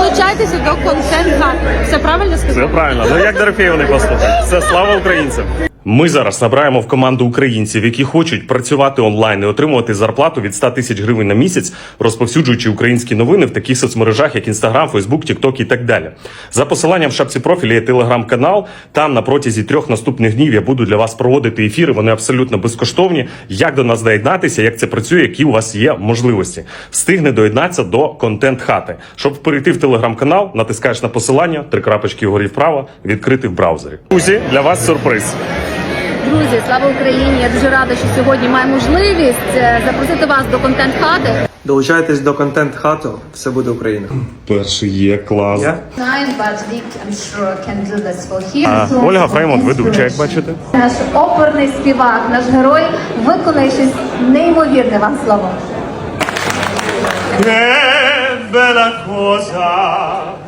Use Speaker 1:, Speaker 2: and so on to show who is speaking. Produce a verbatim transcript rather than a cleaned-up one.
Speaker 1: Долучайтеся до контент-хати. Все правильно сказав?
Speaker 2: Все правильно. Ну як Дорофєєва не послухати? Все, слава українцям! Ми зараз набираємо в команду українців, які хочуть працювати онлайн і отримувати зарплату від ста тисяч гривень на місяць, розповсюджуючи українські новини в таких соцмережах, як Інстаграм, Фейсбук, Тікток і так далі. За посиланням в шапці профіля є телеграм-канал. Там на протязі трьох наступних днів я буду для вас проводити ефіри. Вони абсолютно безкоштовні. Як до нас доєднатися, як це працює, які у вас є можливості. Встигне доєднатися до контент-хати. Щоб перейти в телеграм-канал, натискаєш на посилання, три крапочки вгорі вправо, відкрити в браузері. Друзі, для вас сюрприз.
Speaker 3: Друзі, слава Україні! Я дуже рада, що сьогодні маю можливість запросити вас до контент-хати.
Speaker 4: Долучайтесь до контент-хату, все буде Україна.
Speaker 2: Перший є, клас.
Speaker 4: Я?
Speaker 2: А, Ольга Фреймонт, ведуча, як бачите.
Speaker 3: Наш оперний співак, наш герой виконає щось неймовірне. Вам слово.
Speaker 2: Che bella cosa